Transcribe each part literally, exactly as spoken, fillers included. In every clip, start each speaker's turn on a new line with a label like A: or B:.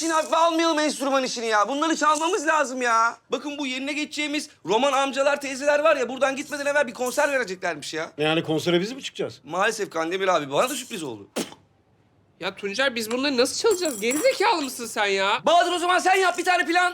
A: işini hafife almayalım, enstrüman işini ya. Bunları çalmamız lazım ya. Bakın bu yerine geçeceğimiz roman amcalar, teyzeler var ya... buradan gitmeden evvel bir konser vereceklermiş ya.
B: Yani konsere biz mi çıkacağız?
A: Maalesef Kandemir abi, bana da sürpriz oldu.
C: Ya Tuncer biz bunları nasıl çalacağız? Gerizekalı mısın sen ya?
A: Bahadır, o zaman sen yap bir tane plan.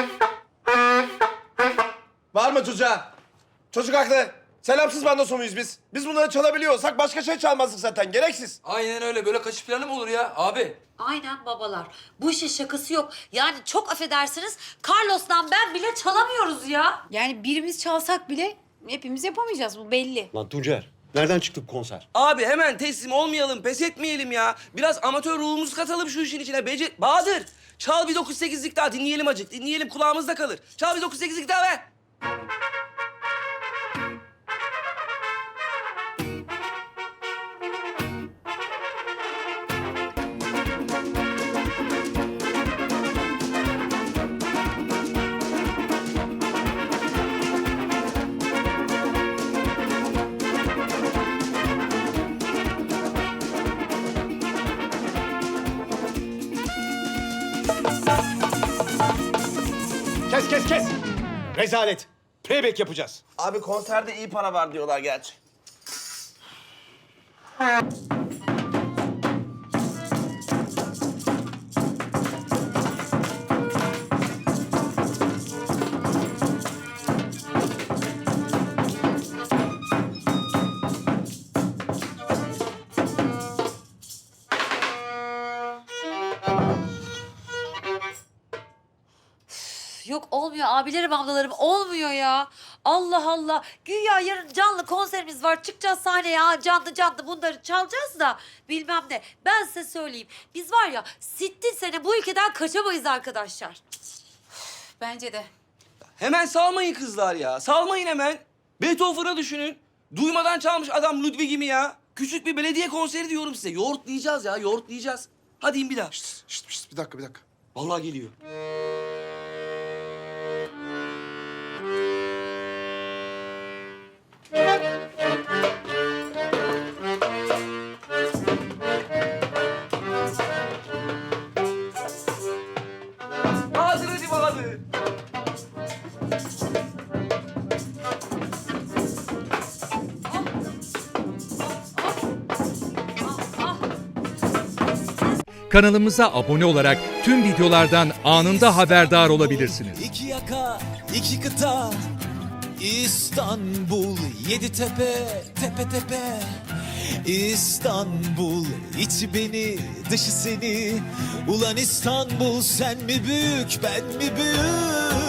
D: Bağırma çocuğa. Çocuk haklı. Selamsız bandosu muyuz biz? Biz bunları çalabiliyorsak başka şey çalmazdık zaten. Gereksiz.
E: Aynen öyle. Böyle kaçış planı mı olur ya abi?
F: Aynen babalar. Bu işin şakası yok. Yani çok affedersiniz, Carlos'tan ben bile çalamıyoruz ya.
G: Yani birimiz çalsak bile hepimiz yapamayacağız, bu belli.
B: Lan Tuncer, nereden çıktık konser?
A: Abi hemen teslim olmayalım, pes etmeyelim ya. Biraz amatör ruhumuzu katalım şu işin içine. Becer... Bahadır, çal bir dokuz sekizlik daha. Dinleyelim acık, dinleyelim, kulağımızda kalır. Çal bir dokuz sekizlik daha be.
B: Kes kes kes! Rezalet. Playback yapacağız.
D: Abi konserde iyi para var diyorlar gerçi.
F: Yok olmuyor abilerim ablalarım, olmuyor ya. Allah Allah. Güya yarın canlı konserimiz var. Çıkacağız sahneye, ha, canlı canlı bunları çalacağız da bilmem ne. Ben size söyleyeyim. Biz var ya sittin sene bu ülkeden kaçamayız arkadaşlar.
G: Bence de.
A: Hemen salmayın kızlar ya. Salmayın hemen. Beethoven'ı düşünün. Duymadan çalmış adam Ludwig'i mi ya? Küçük bir belediye konseri diyorum size. Yoğurtlayacağız ya, yoğurtlayacağız. Hadi in bir daha.
D: Şişt, şişt, bir dakika bir dakika.
A: Vallahi geliyor. Bahadır, hadi Bahadır.
H: Kanalımıza abone olarak tüm videolardan anında haberdar olabilirsiniz.
I: İki yaka, iki kıta, İstanbul, yedi tepe, tepe tepe. İstanbul, içi beni, dışı seni. Ulan İstanbul, sen mi büyük, ben mi büyük?